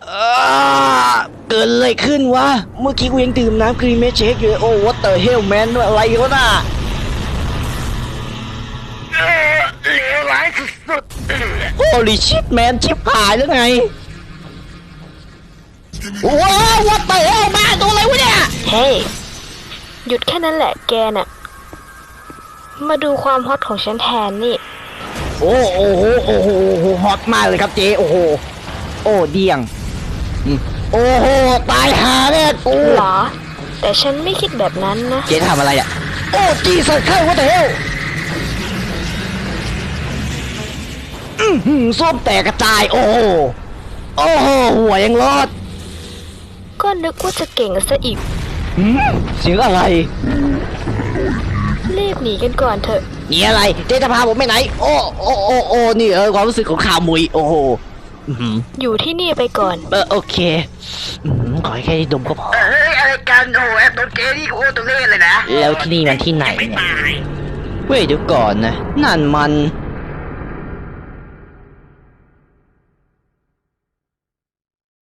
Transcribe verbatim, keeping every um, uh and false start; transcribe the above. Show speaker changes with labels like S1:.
S1: อ่าเกิดอะไรขึ้นวะเมื่อกี้กูยังดื่มน้ำครีมเมชเชคอยู่เลยโอ้ what the hell man อะไรวะน่ะ
S2: เลวร้ายสุด
S1: holy shit man ชิบหายแล้วไงว้าว what the hell แม่ตัวอะไรวะเนี่ย
S3: เฮ้ยหยุดแค่นั้นแหละแกน่ะมาดูความฮอตของฉันแทนนี่
S1: โอ้โอ้โหโอ้โหฮอตมากเลยครับเจ๊โอ้โหโอ้เดียงโอ้โหตายหาแน่กู
S3: เหรอ แต่ฉันไม่คิดแบบนั้นนะ
S1: เจ๊ทำอะไรอ่ะโอ้จีสัตว์เข้า what the hell อือหือส้มแตกกระจายโอ้โหโอ้โหหัวยังรอด
S3: ก็นึกว่าจะเก่งซะอีก
S1: หืมเสียงอะไร
S3: รีบหนีกันก่อนเถอะ
S1: นี่อะไรเจ๊จะพาผมไปไหนโอ้โอ้โอ้โอ้นี่เออความรู้สึกของข่าวมุยโอ้โหอื้อหือ
S3: อยู่ที่นี่ไปก่อน
S1: เออโอเคอื้อหือขอให้แค่ได้ดมก็พอ
S2: ๆเฮ้ยอะไรกันโอ้แอปตัวเกนี่โคตรตัวเล่นเลยนะ
S1: แล้วที่นี่มันที่ไหน
S2: ไม่
S1: เนี่ย
S2: ตาย
S1: เว้ยเดี๋ยวก่อนนะนั่นมัน